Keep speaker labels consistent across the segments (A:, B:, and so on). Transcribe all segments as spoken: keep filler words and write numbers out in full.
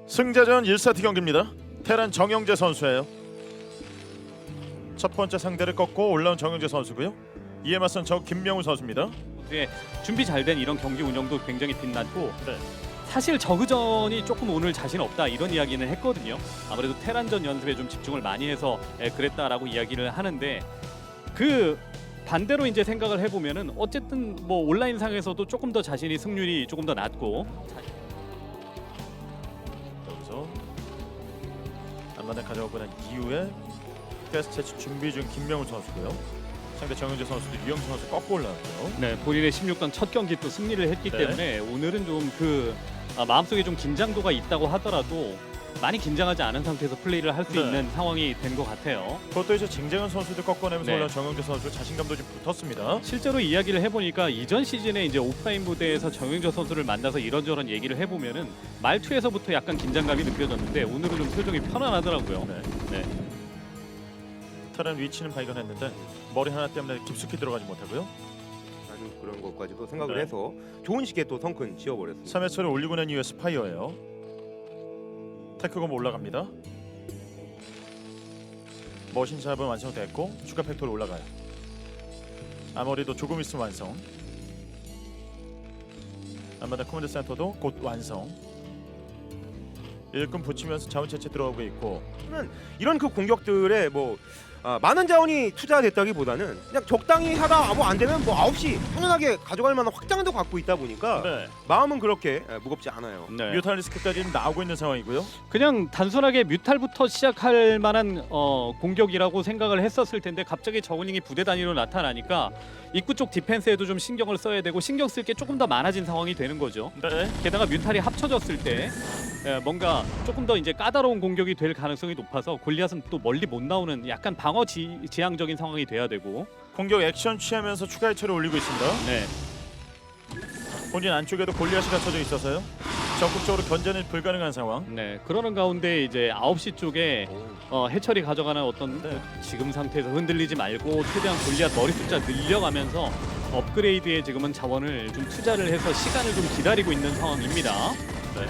A: 승자전 일 세트 경기입니다. 테란 정영재 선수예요. 첫 번째 상대를 꺾고 올라온 정영재 선수고요. 이에 맞선 저 김명우 선수입니다.
B: 네, 준비 잘 된 이런 경기 운영도 굉장히 빛났고
A: 네.
B: 사실 저그전이 조금 오늘 자신 없다 이런 이야기는 했거든요. 아무래도 테란전 연습에 좀 집중을 많이 해서 에, 그랬다라고 이야기를 하는데 그 반대로 이제 생각을 해보면은 어쨌든 뭐 온라인상에서도 조금 더 자신이 승률이 조금 더 낮고
A: 여기서 안마당 가져오고 난 이후에 가스 채취 준비 중 김명우 선수고요. 상대 정영재 선수도 유영수 선수 꺾고 올라왔고요.
B: 네, 본인의 십육 강 첫 경기 또 승리를 했기
A: 네.
B: 때문에 오늘은 좀 그 아, 마음속에 좀 긴장도가 있다고 하더라도 많이 긴장하지 않은 상태에서 플레이를 할 수
A: 네.
B: 있는 상황이 된 것 같아요.
A: 그것도 이제 쟁쟁한 선수들 꺾어내면서
B: 네.
A: 올라온 정영재 선수 자신감도 좀 붙었습니다.
B: 실제로 이야기를 해보니까 이전 시즌에 이제 오프라인 무대에서 정영재 선수를 만나서 이런저런 얘기를 해보면은 말투에서부터 약간 긴장감이 느껴졌는데 오늘은 좀 표정이 편안하더라고요.
A: 네.
B: 네.
A: 테란 위치는 발견했는데 머리 하나 때문에 깊숙이 들어가지 못하고요.
C: 아주 그런 것까지도 생각을
A: 네.
C: 해서 좋은 시기에 또 성큰 지어버렸습니다.
A: 삼 회초를 올리고 난 이후에 스파이어예요. 테크검 올라갑니다. 머신샵은 완성됐고 추가 팩토리 올라가요. 아머리도 조금 있으면 완성. 안마다 커맨드 센터도 곧 완성. 일꾼 붙이면서 자원 채취 들어가고 있고.
C: 이런 그 공격들에 뭐 아, 많은 자원이 투자됐다기보다는 그냥 적당히 하다 뭐 안 되면 뭐 아홉 시 편안하게 가져갈 만한 확장도 갖고 있다 보니까
A: 네.
C: 마음은 그렇게 에, 무겁지 않아요.
B: 네.
A: 뮤탈리스크까지 나오고 있는 상황이고요.
B: 그냥 단순하게 뮤탈부터 시작할 만한 어, 공격이라고 생각을 했었을 텐데 갑자기 저글링이 부대 단위로 나타나니까 입구 쪽 디펜스에도 좀 신경을 써야 되고 신경 쓸 게 조금 더 많아진 상황이 되는 거죠.
A: 네.
B: 게다가 뮤탈이 합쳐졌을 때 에, 뭔가 조금 더 이제 까다로운 공격이 될 가능성이 높아서 골리앗은 또 멀리 못 나오는 약간 방어 지, 지향적인 상황이 돼야 되고.
A: 공격 액션 취하면서 추가 해처를 올리고 있습니다.
B: 네.
A: 본인 안쪽에도 골리앗이 갖춰져 있어서요. 적극적으로 견제는 불가능한 상황.
B: 네. 그러는 가운데 이제 아홉 시 쪽에 어, 해철이 가져가는 어떤
A: 네.
B: 지금 상태에서 흔들리지 말고 최대한 골리앗 머리 숫자 늘려가면서 업그레이드에 지금은 자원을 좀 투자를 해서 시간을 좀 기다리고 있는 상황입니다.
A: 네.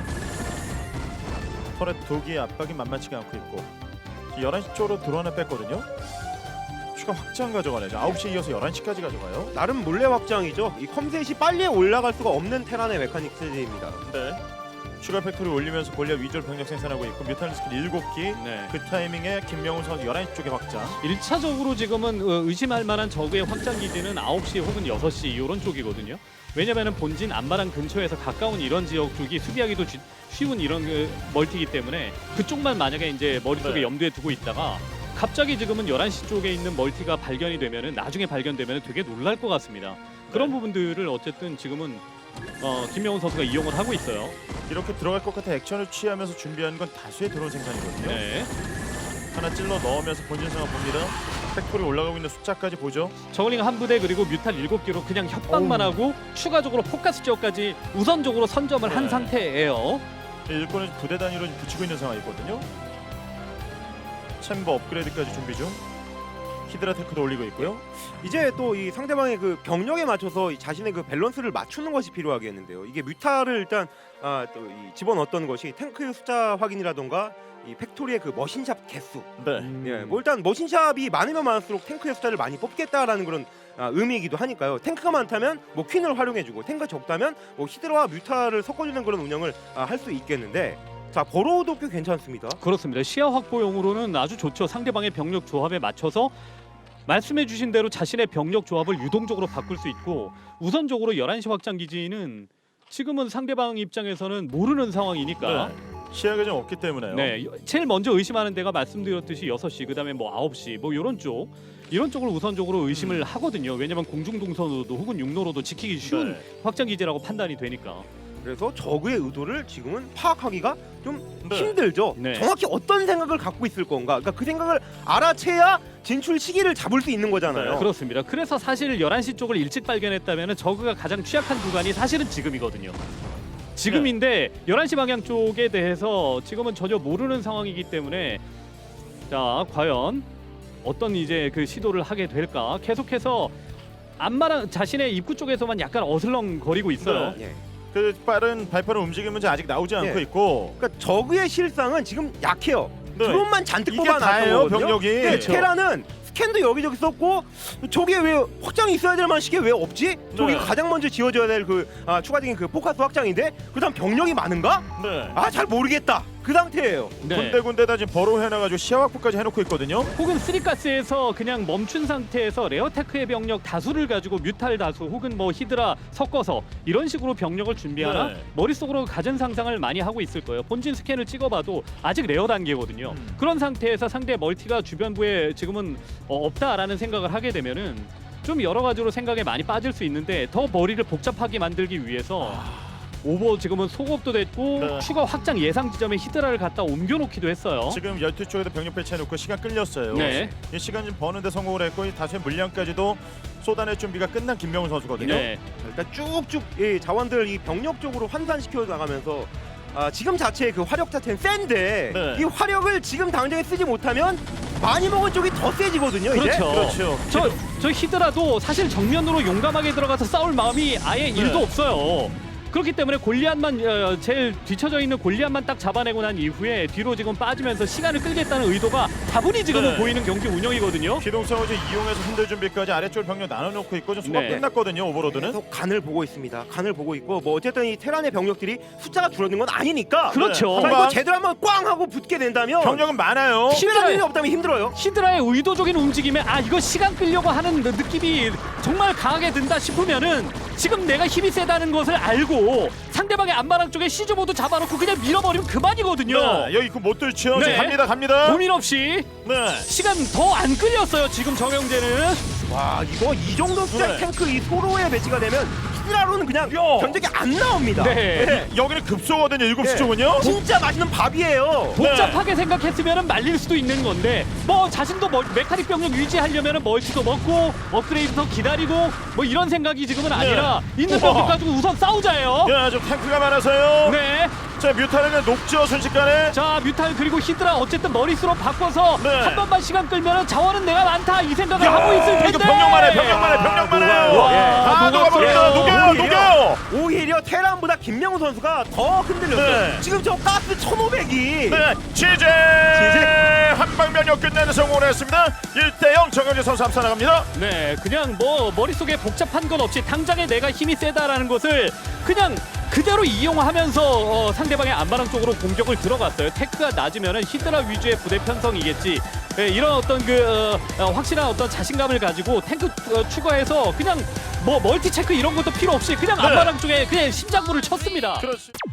A: 터렛 독이 압박이 만만치가 않고 있고 열한 시 쪽으로 드론을 뺐거든요. 추가 확장 가져가네요. 아홉 시에 이어서 열한 시까지 가져가요.
C: 나름 몰래 확장이죠. 이 컴셋이 빨리 올라갈 수가 없는 테란의 메카닉 세제입니다.
A: 네. 추가 팩토리 올리면서 골리앗 위주로 병력 생산하고 있고 뮤탈리스크 일곱 기.
B: 네.
A: 그 타이밍에 김명훈 선수 열한 시 쪽에 확장.
B: 일 차적으로 지금은 어, 의심할 만한 적의 확장 기지는 아홉 시 혹은 여섯 시 이런 쪽이거든요. 왜냐면은 본진 안마랑 근처에서 가까운 이런 지역 쪽이 수비하기도 쥐, 쉬운 이런 그 멀티이기 때문에 그쪽만 만약에 이제 머릿속에
A: 네.
B: 염두에 두고 있다가 갑자기 지금은 열한 시 쪽에 있는 멀티가 발견이 되면은 나중에 발견되면은 되게 놀랄 것 같습니다. 그런
A: 네.
B: 부분들을 어쨌든 지금은 어, 김명훈 선수가 이용을 하고 있어요.
A: 이렇게 들어갈 것 같아 액션을 취하면서 준비하는 건 다수의 드론 생산이거든요.
B: 네.
A: 하나 찔러 넣으면서 본진 상황 봅니다. 팩토리 올라가고 있는 숫자까지 보죠.
B: 저글링 한 부대 그리고 뮤탈 일곱 개로 그냥 협박만
A: 어우.
B: 하고 추가적으로 포커스 지역까지 우선적으로 선점을 한
A: 네.
B: 상태예요.
A: 일꾼은 부대 단위로 붙이고 있는 상황이거든요. 챔버 업그레이드까지 준비 중. 히드라 테크도 올리고 있고요.
C: 이제 또 이 상대방의 그 병력에 맞춰서 이 자신의 그 밸런스를 맞추는 것이 필요하겠는데요. 이게 뮤타를 일단 아, 또 이 집어넣었던 것이 탱크 숫자 확인이라던가 이 팩토리의 그 머신샵 개수.
A: 네.
C: 예, 뭐 일단 머신샵이 많으면 많을수록 탱크의 숫자를 많이 뽑겠다라는 그런 아, 의미이기도 하니까요. 탱크가 많다면 뭐 퀸을 활용해주고 탱크가 적다면 뭐 히드라와 뮤타를 섞어주는 그런 운영을 아, 할 수 있겠는데 자 버로우도 꽤 괜찮습니다.
B: 그렇습니다. 시야 확보용으로는 아주 좋죠. 상대방의 병력 조합에 맞춰서 말씀해주신 대로 자신의 병력 조합을 유동적으로 바꿀 수 있고 우선적으로 열한 시 확장 기지는 지금은 상대방 입장에서는 모르는 상황이니까
A: 네. 시야가 좀 없기 때문에요.
B: 네, 제일 먼저 의심하는 데가 말씀드렸듯이 여섯 시 그다음에 뭐 아홉 시 뭐 이런 쪽 이런 쪽을 우선적으로 의심을
A: 음.
B: 하거든요. 왜냐면 공중 동선으로도 혹은 육로로도 지키기 쉬운
A: 네.
B: 확장 기지라고 판단이 되니까.
C: 그래서 적의 의도를 지금은 파악하기가 좀
A: 네.
C: 힘들죠.
B: 네.
C: 정확히 어떤 생각을 갖고 있을 건가. 그러니까 그 생각을 알아채야 진출 시기를 잡을 수 있는 거잖아요.
A: 네,
B: 그렇습니다. 그래서 사실 열한 시 쪽을 일찍 발견했다면 저그가 가장 취약한 구간이 사실은 지금이거든요. 지금인데 열한 시 방향 쪽에 대해서 지금은 전혀 모르는 상황이기 때문에 자 과연 어떤 이제 그 시도를 하게 될까 계속해서 안마랑 자신의 입구 쪽에서만 약간 어슬렁거리고 있어요.
A: 네.
C: 예.
A: 그 빠른 발표는 움직임은 아직 나오지 않고
C: 네.
A: 있고.
C: 그러니까 저그의 실상은 지금 약해요.
A: 네.
C: 드론만 잔뜩
A: 이게
C: 뽑아놨던
A: 다예요,
C: 거거든요.
A: 병력이.
C: 네,
A: 그렇죠.
C: 테라는 스캔도 여기저기 썼고 저게 왜 확장이 있어야 될 만한 시기에 왜 없지? 저기가
A: 네.
C: 가장 먼저 지어져야 될 그 아, 추가적인 그 포커스 확장인데 그다음 병력이 많은가?
A: 네.
C: 아 잘 모르겠다. 그 상태예요.
B: 네.
A: 군데군데다 지금 버로 해놔가지고 시야 확보까지 해놓고 있거든요.
B: 혹은 쓰리가스에서 그냥 멈춘 상태에서 레어테크의 병력 다수를 가지고 뮤탈 다수 혹은 뭐 히드라 섞어서 이런 식으로 병력을 준비하나
A: 네.
B: 머릿속으로 가진 상상을 많이 하고 있을 거예요. 본진 스캔을 찍어봐도 아직 레어 단계거든요.
A: 음.
B: 그런 상태에서 상대 멀티가 주변부에 지금은 어, 없다라는 생각을 하게 되면은 좀 여러 가지로 생각에 많이 빠질 수 있는데 더 머리를 복잡하게 만들기 위해서 오버 지금은 소급도 됐고
A: 네.
B: 추가 확장 예상 지점에 히드라를 갖다 옮겨놓기도 했어요.
A: 지금 열두 쪽에도 병력 배치해놓고 시간 끌렸어요.
B: 네.
A: 이 시간 좀 버는데 성공을 했고 이 다수의 물량까지도 쏟아낼 준비가 끝난 김명훈 선수거든요.
B: 네.
C: 일단 쭉쭉 이 자원들 이 병력 쪽으로 환산시켜 나가면서 아, 지금 자체의 그 화력 자체는 센데
A: 네.
C: 이 화력을 지금 당장에 쓰지 못하면 많이 먹은 쪽이 더 세지거든요. 이제.
B: 그렇죠.
A: 그렇죠.
B: 저, 저 히드라도 사실 정면으로 용감하게 들어가서 싸울 마음이 아예 일도
A: 네.
B: 없어요. 그렇기 때문에 골리앗만 어, 제일 뒤쳐져 있는 골리앗만 딱 잡아내고 난 이후에 뒤로 지금 빠지면서 시간을 끌겠다는 의도가 다분히 지금은
A: 네.
B: 보이는 경기 운영이거든요.
A: 기동성을 좀 이용해서 흔들 준비까지 아래쪽 병력 나눠놓고 있고 좀 소각
B: 네.
A: 끝났거든요. 오버로드는.
C: 계속 간을 보고 있습니다. 간을 보고 있고 뭐 어쨌든 이 테란의 병력들이 숫자가 줄어든 건 아니니까.
B: 그렇죠.
C: 자,
A: 한
C: 이거
A: 방.
C: 제대로 한번 꽝 하고 붙게 된다면
A: 병력은 많아요.
C: 힘든 일이 없다면 힘들어요.
B: 히드라의 의도적인 움직임에 아 이거 시간 끌려고 하는 느낌이 정말 강하게 든다 싶으면은 지금 내가 힘이 세다는 것을 알고 상대방의 안마랑 쪽에 시즈모드 잡아놓고 그냥 밀어버리면 그만이거든요.
A: 네, 여기 그못 들죠.
B: 네.
A: 지금 갑니다, 갑니다.
B: 고민 없이
A: 네.
B: 시간 더 안 끌렸어요 지금 정영재는.
C: 와 이거 이 정도 숫자의
A: 네.
C: 탱크 이 소로에 배치가 되면 히드라로는 그냥
A: 야.
C: 견적이 안 나옵니다.
B: 네.
A: 여기는 급소거든요. 일곱 시
C: 네.
A: 쪽은요.
C: 진짜 맛있는 밥이에요.
B: 복잡하게 생각했으면 말릴 수도 있는 건데 뭐 자신도 뭐 메카닉 병력 유지하려면 멀티도 먹고 업그레이드도 기다리고 뭐 이런 생각이 지금은 아니라 있는
A: 우와.
B: 병력 가지고 우선 싸우자예요.
A: 야, 좀 탱크가 많아서요.
B: 네.
A: 자, 뮤타르는 녹죠 순식간에.
B: 자 뮤탈 그리고 히드라 어쨌든 머릿수로 바꿔서
A: 네.
B: 한 번만 시간 끌면 자원은 내가 많다 이 생각을
A: 야,
B: 하고 있을 텐데.
A: 이거 병력만 해, 병력만 해, 병력만 해요.
C: 녹아요.
A: 다
B: 녹았어요.
A: 녹아버립니다. 녹여요,
C: 오히려,
A: 녹여요.
C: 오히려 테란보다 김명우 선수가 더 흔들렸어요.
A: 네.
C: 지금 저 가스 천오백이
A: 네, 취재 한방면역 끝내는 성공을 했습니다. 일 대 영 정영재 선수 앞서 나갑니다.
B: 네, 그냥 뭐 머릿속에 복잡한 건 없이 당장에 내가 힘이 세다라는 것을 그냥 그대로 이용하면서 어, 상대방의 안마랑 쪽으로 공격을 들어갔어요. 테크가 낮으면은 히드라 위주의 부대 편성이겠지. 네, 이런 어떤 그 어, 어, 확실한 어떤 자신감을 가지고 탱크 어, 추가해서 그냥 뭐 멀티 체크 이런 것도 필요 없이 그냥
A: 네.
B: 안마랑 쪽에 그냥 심장부를 쳤습니다.
A: 그렇습니다.